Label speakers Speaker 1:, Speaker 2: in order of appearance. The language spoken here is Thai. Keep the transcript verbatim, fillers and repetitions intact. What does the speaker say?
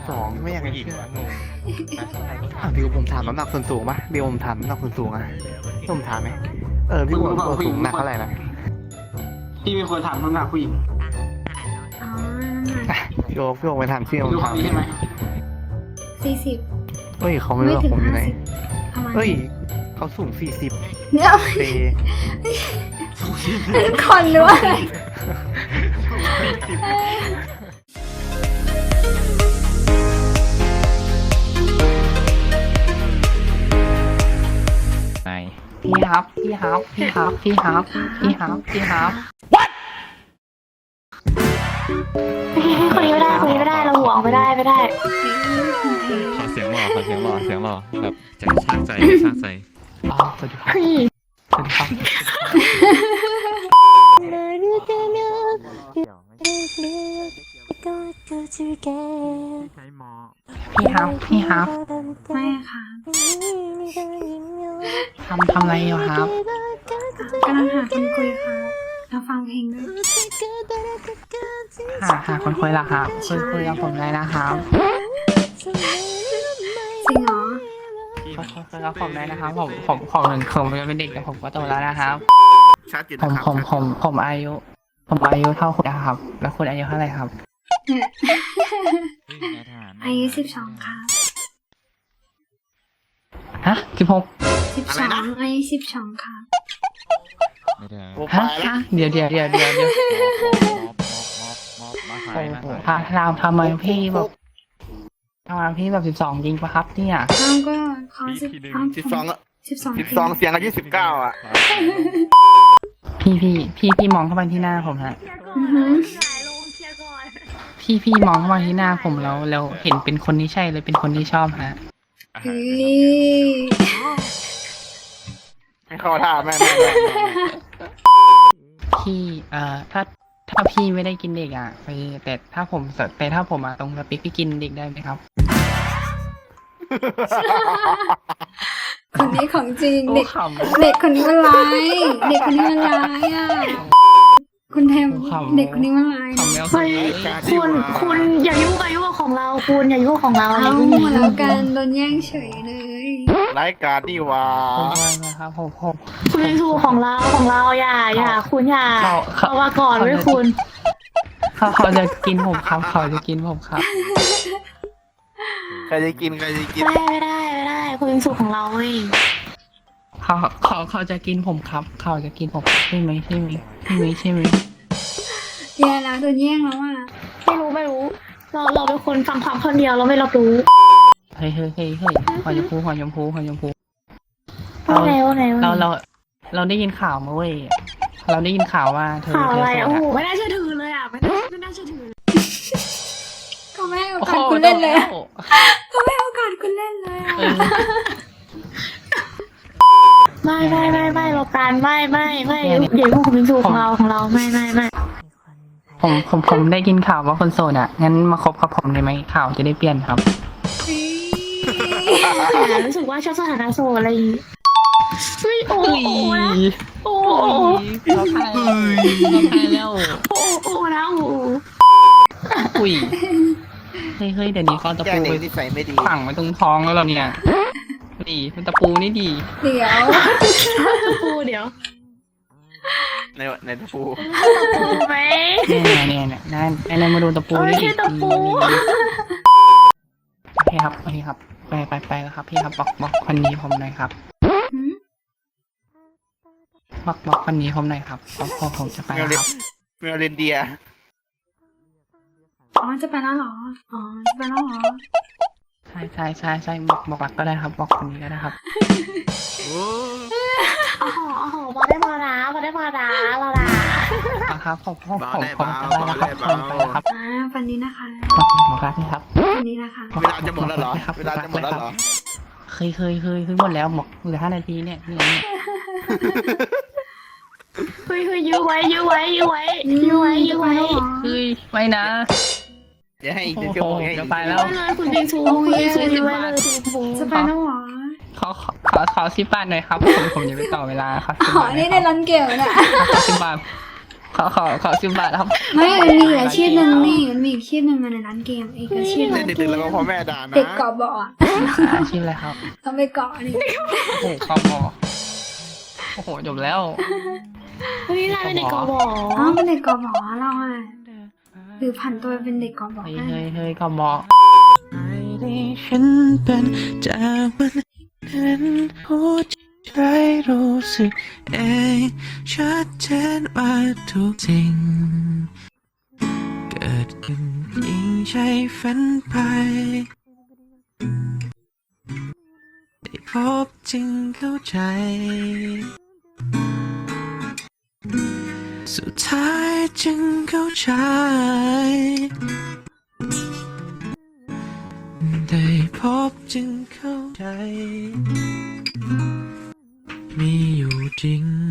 Speaker 1: สองไม่อยาก
Speaker 2: ผู้
Speaker 1: จะ
Speaker 2: หญิง
Speaker 1: เชื่อ
Speaker 2: วะงง
Speaker 1: อ่ะพี่ผมถามน้ำหนักส่วนสูงปะพี่ผมถามน้ำหนักส่วนสูงอะพี่ผมถามไหมเออพี่ผมตัวสูงหนักเท่าไหร่นะ
Speaker 3: พี่มีคนถามน้ำหนักผู้หญิง
Speaker 4: อ๋อ
Speaker 1: อ่ะพี่โอ๊คพี่โอ๊คไปถามชื่อผม
Speaker 3: ดูค
Speaker 1: ถาน ม
Speaker 3: นี้ใช่ไหม
Speaker 4: สี่สิบ
Speaker 1: เฮ้ยเขาไม่รู้
Speaker 4: ไม่
Speaker 1: ว่า
Speaker 4: ถึง
Speaker 1: ผมอยู่
Speaker 4: ห้า
Speaker 1: ไหน
Speaker 4: สิบประมาณ
Speaker 1: เฮ้ยเขาสูงสี่สิบ
Speaker 4: เนี่ย
Speaker 1: เป
Speaker 4: เป็นคนหรือว่าอะไร
Speaker 2: ไหน
Speaker 5: พี่ครับ พี่ครับ พี่ครับ พี่ครับ พี่ครับ พี่ครับ
Speaker 6: คนนี้ไม่ได้คนนี้ไม่ได้เราห่วงไม่ได้ไม่ได้
Speaker 2: ขอเสียงหล่อขอเสียงหล่อเสียงหล่อแบบใจชากใจชากใจ
Speaker 1: อ๋อสวัสดีครับสวัสดีครับ
Speaker 2: ใช้หมอ
Speaker 5: พี่ครับ พี่ครับ
Speaker 4: ไม่ค่ะ
Speaker 5: ทำทำอะไรอยู่ครับ
Speaker 4: กำลังหาคนคุยค่ะแล้วฟังเพลงด้วย
Speaker 5: หาหาคนคุยละครับคุยคุยกับผมเลยนะครับ
Speaker 4: จริงเหรอ
Speaker 5: คุยคุยคุยกับผมเลยนะครับ ผมผมผมถึงผมจะเป็นเด็กแต่ผมก็โตแล้วนะครับ
Speaker 1: ชัดอยู่
Speaker 5: ผ
Speaker 1: นะ
Speaker 5: ม
Speaker 1: ครับ
Speaker 5: ผมผมผมอายุ ผมอายุเท่าคุณนะครับ แล้วคุณอายุเท่าไหร่ครับ
Speaker 4: อายุสิบสองค่ะ
Speaker 5: ฮะสิบหก
Speaker 4: สิบสองอายุสิบสองค่ะ
Speaker 2: ไม่ได้
Speaker 1: โอ้
Speaker 5: ฮะ
Speaker 1: ไปแล้ว
Speaker 5: ฮะเดี๋ยวเดี๋ยวเดี๋ยวเดี๋ยวเดี๋ยว
Speaker 2: มาถ่ายมา
Speaker 5: โอ้โห
Speaker 2: ถ่าย
Speaker 5: ทำทำทำไมพี่แบบทำไมพี่แบบสิบสองจริงปะครับเนี่ย
Speaker 4: เขาก็เขาสิบ
Speaker 1: สิบสองอะ
Speaker 4: สิบสอง
Speaker 1: สิบสองเสียงอายุสิบเก้าอ่ะ
Speaker 5: พี่พี่พี่พี่มองเข้าไปที่หน้าผมฮะ
Speaker 4: อือหือ
Speaker 5: พี่พี่มองเข้ามาที่หน้าผมแล้วแล้วเห็นเป็นคนที่ใช่เลยเป็นคนที่ชอบฮะ
Speaker 4: เฮ้ย
Speaker 1: ไม่เข้าท่าแม่แม่แม่แม่
Speaker 5: พี่เอ่อถ้าถ้าพี่ไม่ได้กินเด็กอ่ะไปแต่ถ้าผมแต่ถ้าผมอ่ะตรงสปิกพี่กินเด็กได้ไหมครับ
Speaker 4: คนนี้ของจริงเด็ก
Speaker 5: ขำ
Speaker 4: เด็กคนนี้มันร้ายเด็กคนนี้มันร้ายอ่ะคุณแทม
Speaker 5: ขำ
Speaker 4: เด็กคนนี้มันร้าย
Speaker 5: ขำแล้ว
Speaker 6: เฮ้ยคุณคุณอย่ายุ่งกับยุ่งกับของเราคุณอย่ายุ่งกับของเราอะไร
Speaker 4: เอา
Speaker 6: พวกนี้
Speaker 4: แล้วกันโดนแย่งเฉยเลย
Speaker 1: รายการนี่หว่า
Speaker 5: ผมว่านะครับผมผม
Speaker 6: คุณเป็นชูของเราของเราอย่าอย่าคุณอย่า
Speaker 5: เขาเขา
Speaker 6: เอามาก่อนไว้คุณ
Speaker 5: เขาเขาจะกินผมครับเขาจะกินผมครับ
Speaker 1: ใครจะกินใครจะกิน
Speaker 6: ไม่ได้ไม่ได้ไม่ได้คุณเป็นชูของเราเว้ย
Speaker 5: เขาเขาเขาจะกินผมครับ เขาจะกินผมใช่ไหมใช่ไหมใช่ไหมใช่ไหม
Speaker 4: แย่แล้วโดนแย่งแล้วอ่ะ
Speaker 6: ไม่รู้ไม่รู้ เราเราเป็นคนฟังความคนเดียวเราไม่รับรู้
Speaker 5: เฮ้ยเฮ้ยเฮ้ยเฮ้ยหัวชมพูหัวชมพูหัวชมพู
Speaker 6: ว่าไงว่าไงว่าไง
Speaker 5: เราเราเราได้ยินข่าวมาเว้ยเราได้ยินข่าวว่าเธอ
Speaker 6: ข่าว
Speaker 5: เธ
Speaker 6: อะไร
Speaker 5: อ
Speaker 6: โอ้
Speaker 5: โส
Speaker 6: โห
Speaker 5: ดอะ
Speaker 6: ไม่น่าเชื่อถือเลยอ่ะไม่น่าไม่น่าเชื่อถือ
Speaker 4: เขาไม่ให้โอ
Speaker 5: โอ้
Speaker 4: กา
Speaker 5: โห
Speaker 4: สคุณเล่นเลย
Speaker 5: โด
Speaker 4: อะ
Speaker 5: แล้ว
Speaker 4: เขาไม่ให้โอกาสคุณเล่นเลยอะ
Speaker 5: เออ
Speaker 6: ไม่ไม่ไม่ไม่เราการไม่ไม่ไม่อย่ายุ่งกับคุณเป็นชูของเราของเราไม่ไม่ไม่
Speaker 5: ผมผมผมได้ยินข่าวว่าคนโสดอ่ะงั้นมาคบกับผมได้ไหมข่าวจะได้เปลี่ยนครับ
Speaker 6: แต่รู้สึกว่าชอบสถานะโซอะไรอย่างงี้เฮ้ยโอ้โหนะโอ้โห
Speaker 5: เราทายเราทายแล้ว
Speaker 6: โอ้โหนะโอ้โห
Speaker 5: อุ้ยเฮ้ยเฮ้ยเดี๋ยวนี้เขาตะ
Speaker 1: แก
Speaker 5: ปู
Speaker 1: เด็
Speaker 5: ไป
Speaker 1: กที่ใส่ไม่ดี
Speaker 5: ฝังไว้ตรงท้องแล้วเราเนี่ยดีมันตะปูนี่ดี
Speaker 4: เดี๋ยว
Speaker 6: ปูเดี๋ยว
Speaker 1: ในในตะปู
Speaker 6: ปูไหม
Speaker 5: เนี่ยเนี่ยเนี่ยนั่นไอ้นั่นมาดูตะปู
Speaker 6: เอ้ย
Speaker 5: นี่ดิ
Speaker 6: แค่ตะปู
Speaker 5: โอเคครับโอเคครับไปไปไปแล้วครับพี่ครับบอกบอกคนนี้ผมหน่อยครับ
Speaker 4: หืม
Speaker 5: บอกบอกคนนี้ผมหน่อยครับบอกพอผมจะไป
Speaker 1: เมล
Speaker 5: แล้ว
Speaker 1: เล
Speaker 5: ครับ
Speaker 1: เมลเลนเดีย
Speaker 4: อ๋อจะไปแล้วเหรออ๋อจะไปแล้วเหรอ
Speaker 5: ใช่ใช่ใช่ใช่บอกบอกรักก็ได้ครับ บอกคนนี้ก็ได้ครับ
Speaker 1: โอ้
Speaker 6: โอ้โหโอ้โหพอได้พอนะพอได้พอนะเราละ
Speaker 5: อ่ะครับผมผมผมผมจะไปแล้วครับผมไปแล้วครับ
Speaker 4: อ่าวันนี้นะคะ
Speaker 5: บอกบอกรักนี่ครับ
Speaker 4: วันนี้นะคะ
Speaker 1: เวลาจะหมดแล้วเหรอเวลาจะหมดแล้วเหรอ
Speaker 5: เคยเคยเคยเคยหมดแล้วบอกเหลือห้านาทีเนี่ยนี่เนี่ย
Speaker 6: เฮ้ยเฮ้ยยื้อไว้ยื้อไว้ยื้อไว้ยื้อไว้ยื้อไว้
Speaker 5: เฮ้ยไม่นะ
Speaker 1: จะให้อีก
Speaker 5: โอ้
Speaker 1: ชั่ว
Speaker 5: โห
Speaker 1: โมงให้อีก
Speaker 5: จะไปแล้ว
Speaker 6: ไว้เลยคุณบิงซูคุณบิงซูยื้อไว้เลยคุณบิงซู
Speaker 4: จะไปแล้วเหรอ
Speaker 5: ขอขอขอขอสิบบาทหน่อยครับผมผมจะไปต่อเวลาครับสิบ
Speaker 4: อ๋อบ
Speaker 5: าท
Speaker 4: นี่ในร้านเกลเนี่ย
Speaker 5: สิบบาทขอขอขอสิบบาทครับ
Speaker 4: ไม่มันมีอีกอาชีพหนึ่งนี่มันมีอีกอาชีพหนึ่งในร้านเกมอีกอาชีพหนึ่ง
Speaker 1: เด็กๆแล้วก็พ่อแม่ด่านะ
Speaker 4: เด็กเกาะเบาะอะ
Speaker 5: อาชีพอะไรครับ
Speaker 4: ต้องไปเกาะนี่
Speaker 5: โอ้โหคอมอโอ้โหจบแล้ว
Speaker 6: วันนี้นายเป็นเด็กกบ
Speaker 4: อ๋อเป็นเด็กเกาะเบาะเราอะหรือผันตัวเป็นเด็กเกาะเบาะ
Speaker 5: เฮ้ย
Speaker 4: ได้
Speaker 5: เฮ้ยเฮ้ยคอมอ
Speaker 7: ฉันเป็นจากวันนั้นหัวใจรู้สึกเองชัดเจนว่าทุกสิ่งเกิดขึ้นยิ่งใช่ฝันไปได้พบจึงเข้าใจ สุดท้ายจึงเข้าใจได้พบจึงเข้าใจมีอยู่จริง